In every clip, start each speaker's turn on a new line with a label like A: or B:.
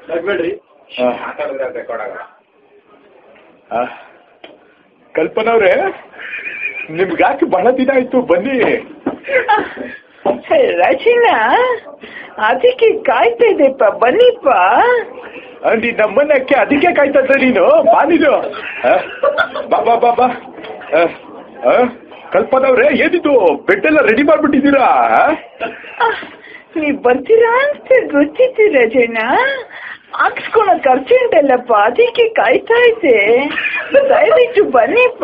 A: ನಗ್ಬೇಡ್ರಿ.
B: Record ಆಗಲ್ಲ.
C: ಕಲ್ಪನಾ ಅವ್ರೆ, ನಿಮ್ಗೆ ಯಾಕೆ ಬಹಳ ದಿನ ಆಯ್ತು, ಬನ್ನಿ.
D: ರಚನಾ, ಅದಕ್ಕೆ ಕಾಯ್ತಾ ಇದೆಪ್ಪ, ಬನ್ನಿಪ್ಪ.
C: ನೀನ್ ನಮ್ಮನ್ನಕ್ಕೆ ಅದಕ್ಕೆ ಕಾಯ್ತಾ ಇದ್ದ ನೀನು? ಬಾ ನೀನು, ಬಾ ಬಾ ಬಾ ಬಾ. ಕಲ್ಪನಾ ಅವ್ರೆ, ಏನಿದು ಬೆಡ್ ಎಲ್ಲ ರೆಡಿ ಮಾಡ್ಬಿಟ್ಟಿದ್ದೀರಾ?
D: ನೀವ್ ಬರ್ತೀರಾ ಅಂತ ಗೊತ್ತಿತ್ತು ರಚನಾ, ಹಾಕ್ಸ್ಕೊಳಕ್ ಅರ್ಜೆಂಟ್ ಅಲ್ಲಪ್ಪ, ಅದಕ್ಕೆ ಕಾಯ್ತಾ ಇದ್ದೆ. ದಯವಿಟ್ಟು ಬನ್ನಿಪ್ಪ.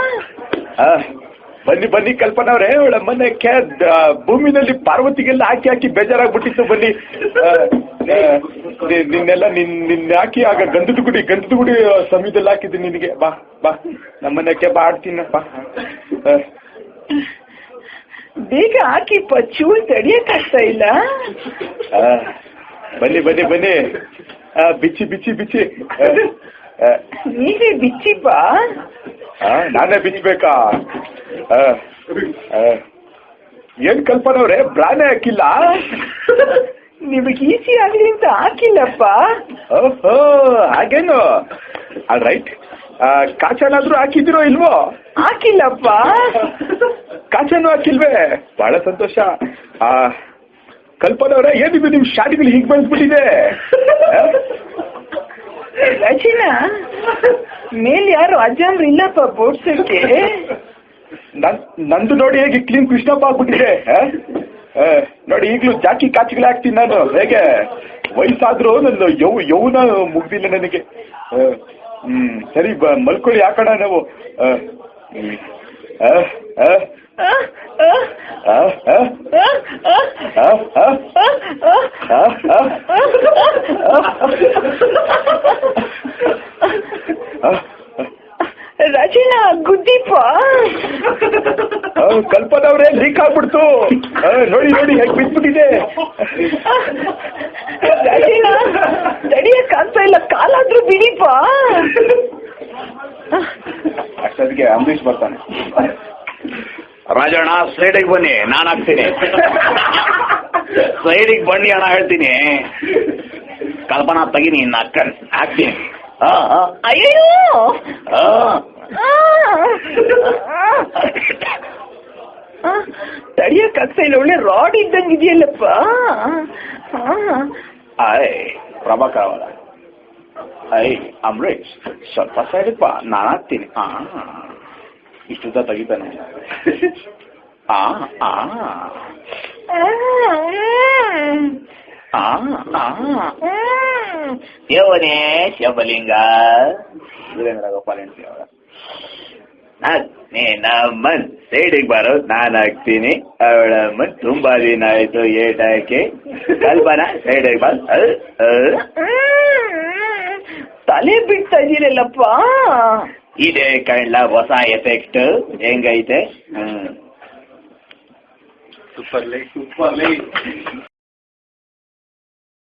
C: ಬನ್ನಿ ಬನ್ನಿ ಕಲ್ಪನಾ ಅವ್ರೆ, ಅವಳ ಮನೆಕ್ಕೆ ಭೂಮಿನಲ್ಲಿ ಪಾರ್ವತಿಗೆಲ್ಲ ಹಾಕಿ ಹಾಕಿ ಬೇಜಾರಾಗ್ಬಿಟ್ಟಿತ್ತು. ಬನ್ನಿ, ನಿನ್ನೆಲ್ಲ ನಿನ್ನ ಹಾಕಿ ಆಗ ಗಂಧದ ಗುಡಿ ಸಮಯದಲ್ಲಿ ಹಾಕಿದ್ದೀನಿ ನಿನಗೆ. ಬಾ ಬಾ, ನಮ್ಮನೆಕ್ಕೆ ಬಾ, ಆಡ್ತೀನಿ ಬಾ.
D: ಬೇಗ ಹಾಕಿಪ್ಪ, ಚೂರು ತಡಿಯಕ್ಕಾಗ್ತಾ ಇಲ್ಲ.
C: ಬನ್ನಿ ಬನ್ನಿ ಬನ್ನಿ, ಬಿಚ್ಚಿ ಬಿಚ್ಚಿ ಬಿಚ್ಚಿ.
D: ನೀವೇ ಬಿಚ್ಚಿಪ್ಪ.
C: ನಾನೇ ಬಿಚ್ಚಬೇಕಾ? ಏನ್ ಕಲ್ಪನಾ ಅವ್ರೆ, ಬ್ರಾನೇ ಹಾಕಿಲ್ಲ?
D: ನಿಮಗೆ ಈಸಿ ಆಗ್ಲಿ ಅಂತ ಹಾಕಿಲ್ಲಪ್ಪ.
C: ಓಹೋ, ಹಾಗೇನು? All right. ಕಾಚನಾದ್ರೂ ಹಾಕಿದಿರೋ ಇಲ್ವೋ?
D: ಹಾಕಿಲ್ಲಪ್ಪ.
C: ಕಾಚನೂ ಹಾಕಿಲ್ವೇ? ಬಹಳ ಸಂತೋಷ. ಕಲ್ಪನಾ ಅವ್ರೆ, ಏನಿದು ನಿಮ್ ಶಾಡಿಗಳು ಹೀಗೆ ಬೆಳೆಸ್ಬಿಟ್ಟಿದೆ?
D: ರಚನಾ, ಮೇಲ್ ಯಾರು ಅಜ್ಜಂದ್ರು ಇಲ್ಲಪ್ಪ ಬೋಡ್ಸಕ್ಕೆ.
C: ನಂದು ನೋಡಿ ಹೇಗೆ ಕ್ಲೀನ್ ಕೃಷ್ಣಪ್ಪ ಆಗ್ಬಿಟ್ಟಿದೆ. ನೋಡಿ, ಈಗಲೂ ಜಾಕಿ ಕಾಚಿಗಳು ಹಾಕ್ತೀನಿ ನಾನು. ಹೇಗೆ ವಯಸ್ಸಾದ್ರೂ ನನ್ನ ಯೌವನ ಮುಗ್ದಿಲ್ಲ ನನಗೆ. ಸರಿ, ಮಲ್ಕೊಳ್ಳಿ, ಹಾಕೋಣ ನಾವು.
D: ರಚನಾ, ಗುದ್ದಿಪ್ಪ.
C: ಕಲ್ಪನಾ ಅವ್ರೆ, ಲೀಕ್ ಆಗ್ಬಿಡ್ತು. ನೋಡಿ ನೋಡಿ ಹೇಗೆ ಬಿದ್ಬಿಟ್ಟಿದೆ.
D: ರಚನಾ, ತಡಿಯಕ್ಕಾಗ್ತಾ ಇಲ್ಲ, ಕಾಲಾದ್ರೂ ಬಿಡಿಪ್ಪ.
C: ಅಷ್ಟೊತ್ತಿಗೆ ಅಂಬರೀಷ್ ಬರ್ತಾನೆ.
B: ರಾಜಣ್ಣ, ಸೈಡಿಗೆ ಬನ್ನಿ, ನಾನು ಹಾಕ್ತೀನಿ. ಸೈಡಿಗೆ ಬನ್ನಿ ಅಣ್ಣ, ಹೇಳ್ತೀನಿ. ಕಲ್ಪನಾ ತೆಗೀನಿ, ಇನ್ನು ಹಾಕ್ತೀನಿ.
D: ಅಯ್ಯೋ, ತಡಿಯಕ್ಕಾಗ್ತಾ ಇಲ್ಲ, ಒಳ್ಳೆ ರಾಡ್ ಇದ್ದಂಗೆ ಇದೆಯಲ್ಲಪ್ಪ.
B: ಪ್ರಭಾಕರ್ ಅವರ, ಅಂಬರೀಷ್, ಸ್ವಲ್ಪ ಸೈಡಿಗೆ ಬಾ, ನಾನು ಹಾಕ್ತೀನಿ. ಇಷ್ಟುದ್ದ ತೆಗಿತಾನೆ. ದೇವನೇ ಶಬಲಿಂಗ, ವೀರೇಂದ್ರ ಗೋಪಾಲ್ ಹೆಂಡತಿ ಅವರ. ನಮ್ಮನ್ ಸೈಡಿಗೆ ಬರೋ, ನಾನು ಹಾಕ್ತೀನಿ. ಅವಳ ಮನ್ ತುಂಬಾ ದಿನ ಆಯ್ತು ಏಟಾಕೆ. ಕಲ್ಪನಾ, ಸೈಡಿಗೆ ಬಾ.
D: ತಲೆ ಬಿಡ್ತಾ ಇದೀರಲ್ಲಪ್ಪ.
B: ಇದೇ ಕಣ್ಣ ಹೊಸ ಎಫೆಕ್ಟ್, ಹೆಂಗೈತೆ?
C: Super light.